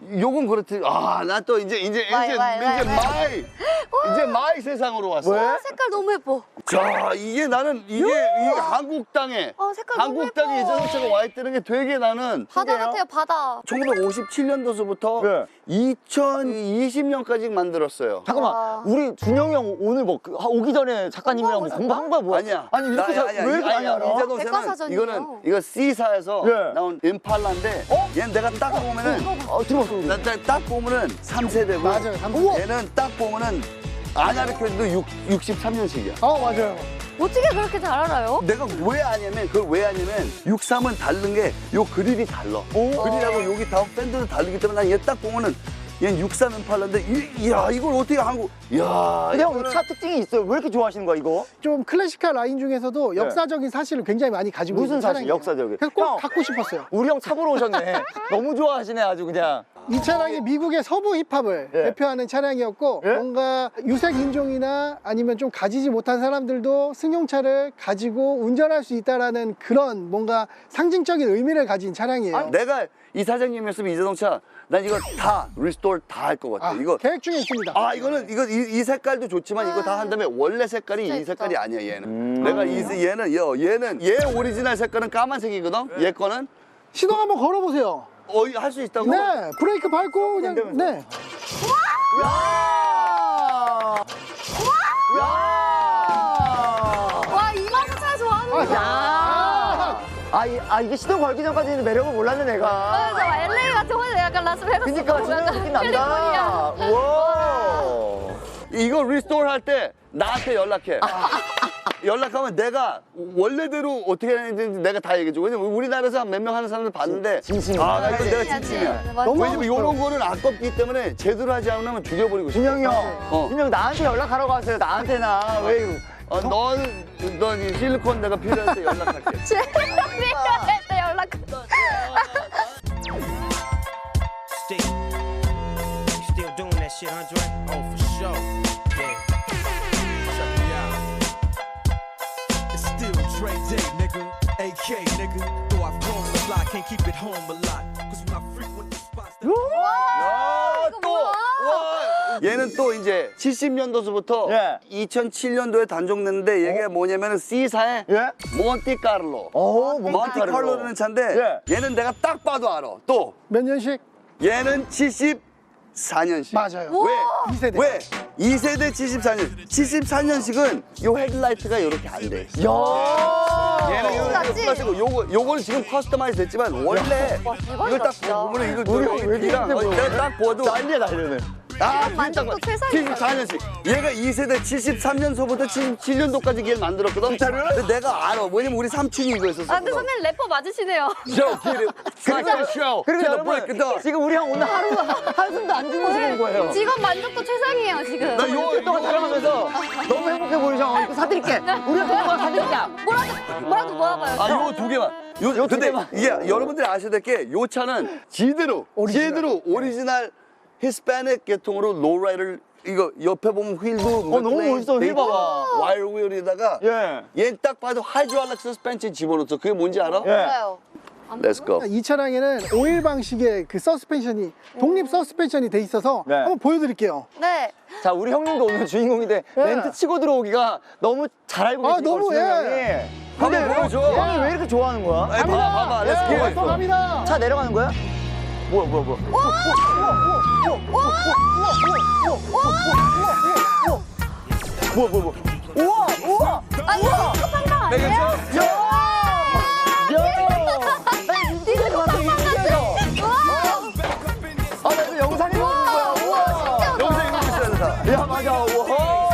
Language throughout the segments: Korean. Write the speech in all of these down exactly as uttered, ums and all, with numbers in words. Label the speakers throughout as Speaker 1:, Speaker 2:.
Speaker 1: 요건 그렇지. 아, 나 또 이제 이제
Speaker 2: 와이,
Speaker 1: 이제
Speaker 2: 와이,
Speaker 1: 이제
Speaker 2: 와이,
Speaker 1: 마이 이제 마이 세상으로 왔어.
Speaker 2: 와, 색깔 너무 예뻐.
Speaker 1: 자, 이게 나는 이게 이게 한국 땅에
Speaker 2: 어, 색깔 너무
Speaker 1: 한국 땅에
Speaker 2: 예뻐.
Speaker 1: 이자동차가 와 있다는 게 되게 나는
Speaker 2: 바다 같아요, 바다.
Speaker 1: 천구백오십칠 년도서부터
Speaker 3: 네.
Speaker 1: 이천이십 년까지 만들었어요.
Speaker 3: 잠깐만,
Speaker 2: 와.
Speaker 3: 우리 준영이 형 오늘 뭐 그- 오기 전에 작가님이랑 뭐 공부한 거야 뭐야?
Speaker 1: 아니야.
Speaker 3: 아니 이렇게
Speaker 1: 나-
Speaker 3: 자,
Speaker 1: 아니야.
Speaker 3: 왜 이렇게 많이
Speaker 1: 아니야.
Speaker 3: 알아?
Speaker 1: 이자동차는
Speaker 2: 백과사전이에요.
Speaker 1: 이거는 이거 C사에서
Speaker 3: 네.
Speaker 1: 나온 임팔라인데 얘는 내가 딱 보면은
Speaker 3: 어, 들어봤어 우리.
Speaker 1: 나, 나, 딱 보면은 삼 세대고
Speaker 4: 맞아요, 삼 세대.
Speaker 1: 얘는 딱 보면은 아냐르크도 육십삼 년식이야.
Speaker 4: 어, 맞아요.
Speaker 2: 어떻게 그렇게 잘 알아요?
Speaker 1: 내가 왜 아냐면 그걸 왜 아냐면 육십삼은 다른 게 요 그릴이 달라. 그릴하고 여기 다음 팬들도 다르기 때문에 난 얘 딱 보면은 얘는 육십삼 임팔라인데 이, 이야 이걸 어떻게 한국 야
Speaker 3: 근데 형
Speaker 1: 이거는-
Speaker 3: 차 특징이 있어요. 왜 이렇게 좋아하시는 거야 이거?
Speaker 4: 좀 클래식한 라인 중에서도 역사적인 사실을 굉장히 많이 가지고
Speaker 3: 무슨
Speaker 4: 있는
Speaker 3: 사실,
Speaker 4: 차량이에요.
Speaker 3: 역사적인?
Speaker 4: 그래서 꼭
Speaker 3: 형.
Speaker 4: 갖고 싶었어요.
Speaker 3: 우리 형 차 보러 오셨네. 너무 좋아하시네 아주 그냥.
Speaker 4: 이 차량이 미국의 서부 힙합을
Speaker 3: 예.
Speaker 4: 대표하는 차량이었고
Speaker 3: 예?
Speaker 4: 뭔가 유색 인종이나 아니면 좀 가지지 못한 사람들도 승용차를 가지고 운전할 수 있다라는 그런 뭔가 상징적인 의미를 가진 차량이에요.
Speaker 1: 내가 이 사장님이었으면 이 자동차 난 이거 다 리스토어 다 할 것 같아.
Speaker 4: 아,
Speaker 1: 이거
Speaker 4: 계획 중에 있습니다.
Speaker 1: 아 이거는 이거 이, 이 색깔도 좋지만 이거 다 한 다음에 원래 색깔이
Speaker 2: 진짜
Speaker 1: 이 색깔이
Speaker 2: 예쁘다.
Speaker 1: 아니야 얘는. 내가 이 세- 얘는 여 얘는 얘 오리지널 색깔은 까만색이거든. 얘 거는
Speaker 4: 시동 한번 걸어보세요.
Speaker 1: 어 할 수 있다고?
Speaker 4: 네, 브레이크 밟고 그냥 네.
Speaker 2: 와, 이 맛을 차 좋아하는
Speaker 3: 야. 아, 이, 아 이게 시동 걸기 전까지는 매력을 몰랐네 내가.
Speaker 2: 맞아, 엘에이 같은 거 약간 라스베가스.
Speaker 3: 그러니까 진짜 느낌 난다. 우와.
Speaker 1: 이거 리스토어 할 때 나한테 연락해. 연락하면 내가 원래대로 어떻게 하는지 내가 다 얘기해줘. 왜냐면 우리나라에서 몇 명 하는 사람들 봤는데
Speaker 3: 진심이야.
Speaker 1: 아, 나 이거 내가
Speaker 2: 진심이야,
Speaker 1: 진심이야.
Speaker 2: 진짜. 맞아.
Speaker 4: 너무
Speaker 1: 왜냐면 이런 거는 아깝기 때문에 제대로 하지 않으면 죽여버리고 싶어.
Speaker 3: 준영이 형.
Speaker 1: 어.
Speaker 3: 준영 나한테 연락하라고 하세요. 나한테나 왜? 이거.
Speaker 1: 어, 넌, 넌 이 실리콘 내가 필요할 때 연락할게.
Speaker 2: 제일 필요할 때 연락.
Speaker 5: Still, still doing that shit, Andre? Oh, for sure. Yeah. Check me out. It's still Dre Day, nigga. A K, nigga. Though I've grown a lot, can't keep it home a lot. Cause when I frequent the spots that
Speaker 1: 야,
Speaker 2: 이거
Speaker 1: 또!
Speaker 2: 뭐야?
Speaker 1: 와! 얘는 또 이제 칠십 년도서부터
Speaker 3: 예.
Speaker 1: 이천칠 년도에 단종됐는데 얘가 뭐냐면은 C사의
Speaker 3: 예?
Speaker 1: 몬티카를로.
Speaker 3: 어,
Speaker 1: 몬티카를로라는 차인데
Speaker 3: 예.
Speaker 1: 얘는 내가 딱 봐도 알아. 또
Speaker 4: 몇 년식?
Speaker 1: 얘는 칠십사 년식.
Speaker 4: 맞아요.
Speaker 1: 왜?
Speaker 4: 이 세대.
Speaker 1: 왜? 이 세대 칠십사 년. 칠십사 년식은 요 헤드라이트가 이렇게 안 돼.
Speaker 3: 야.
Speaker 1: 얘는 이거
Speaker 2: 맞지?
Speaker 1: 플라스틱 요거 요거는 지금 커스터마이즈 됐지만 원래
Speaker 2: 와, 대박이다,
Speaker 1: 이걸 딱
Speaker 2: 진짜.
Speaker 1: 보면 이거
Speaker 3: 우리
Speaker 1: 여기
Speaker 3: 왜 이렇게
Speaker 1: 뒤랑
Speaker 3: 힘들어?
Speaker 1: 어, 내가 딱 보아도
Speaker 3: 난리야 난리네.
Speaker 1: 아,
Speaker 2: 만족도 최상이다.
Speaker 1: 칠십사 년씩. 얘가 이 세대 칠십삼 년서부터 칠십칠 년도까지 걔를 만들었거든.
Speaker 3: 진짜로요?
Speaker 1: 근데 내가 알아. 왜냐면 우리 삼촌이 이거 했었어.
Speaker 2: 아, 근데 선배님 래퍼 맞으시네요.
Speaker 1: 쇼, 기름. 그리고 쇼.
Speaker 3: 그리고
Speaker 1: 나
Speaker 3: 여러분 지금 우리 형 오늘 하루 한숨도 안 주무시는 거예요.
Speaker 2: 직업 만족도 최상이에요, 지금.
Speaker 1: 나 요,
Speaker 3: 일주일 동안 촬영하면서 너무 행복해 보이죠? 이거 사드릴게. 우리 형 동안 사드릴게.
Speaker 2: 뭐라도, 뭐라도 모아봐요.
Speaker 1: 아, 요 두 개만. 요,
Speaker 3: 요 두
Speaker 1: 근데
Speaker 3: 개만.
Speaker 1: 이게 여러분들이 아셔야 될 게 요 차는 제대로,
Speaker 4: 오리지널.
Speaker 1: 제대로 오리지널 히스패닉 계통으로 로우라이더를 이거 옆에 보면 휠도
Speaker 3: 어, 너무 멋있어. 휠 봐봐.
Speaker 1: 와이어 휠에다가
Speaker 3: 예.
Speaker 1: 얘 딱 봐도 하이드랄릭 서스펜션 집어넣었어. 그게 뭔지 알아?
Speaker 3: 예.
Speaker 2: 몰라요.
Speaker 1: Let's go.
Speaker 4: 이 차량에는 오일 방식의 그 서스펜션이 독립 서스펜션이 돼 있어서
Speaker 3: 네.
Speaker 4: 한번 보여드릴게요.
Speaker 2: 네.
Speaker 3: 자, 우리 형님도 오늘 주인공인데 멘트 치고 들어오기가 너무 잘 알고
Speaker 4: 아,
Speaker 3: 계신 걸
Speaker 4: 너무,
Speaker 3: 준영
Speaker 4: 예.
Speaker 3: 형이.
Speaker 1: 한번
Speaker 3: 근데
Speaker 1: 보여줘.
Speaker 3: 형이 왜 이렇게 좋아하는 거야?
Speaker 1: 아니, 봐봐, 봐봐. Let's go.
Speaker 4: 예, 갑니다.
Speaker 3: 차 내려가는 거야? 뭐야, 뭐야, 뭐야. 뭐야, 뭐야, 뭐야. 우와, 우와.
Speaker 2: 아, 이거 급한 거 아니에요?
Speaker 3: 야!
Speaker 2: 이거 급한 거 같아. 와.
Speaker 3: 아, 나 이거 영상에 보는 거야. 우와.
Speaker 1: 여기서 이거 있어야 된다.
Speaker 3: 야, 맞아. 우와.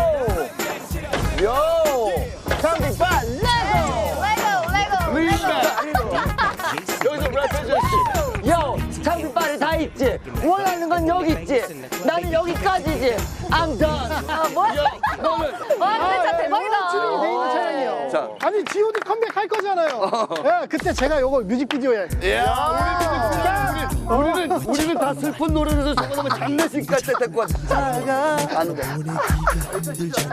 Speaker 3: 요. 장비빨 레고.
Speaker 2: 레고, 레고.
Speaker 1: 여기서 랩 해줘야지.
Speaker 3: 요, 장비빨이 다 있지. 원하는 건 여기 있지. 나는 여기까지지. I'm done.
Speaker 2: 아, 뭐야?
Speaker 1: 너는.
Speaker 2: 와, 근데 진짜 대박이다.
Speaker 4: 출력이 돼 있는 차량이에요.
Speaker 1: 자.
Speaker 4: 아니 지오디 컴백 할 거잖아요. 예, 그때 제가 요거 뮤직비디오에
Speaker 1: 야, 우리는, 우리는, 우리는 다 슬픈 노래에서 저거 너무 장례식 갈 때 데리고 왔어. 안 돼.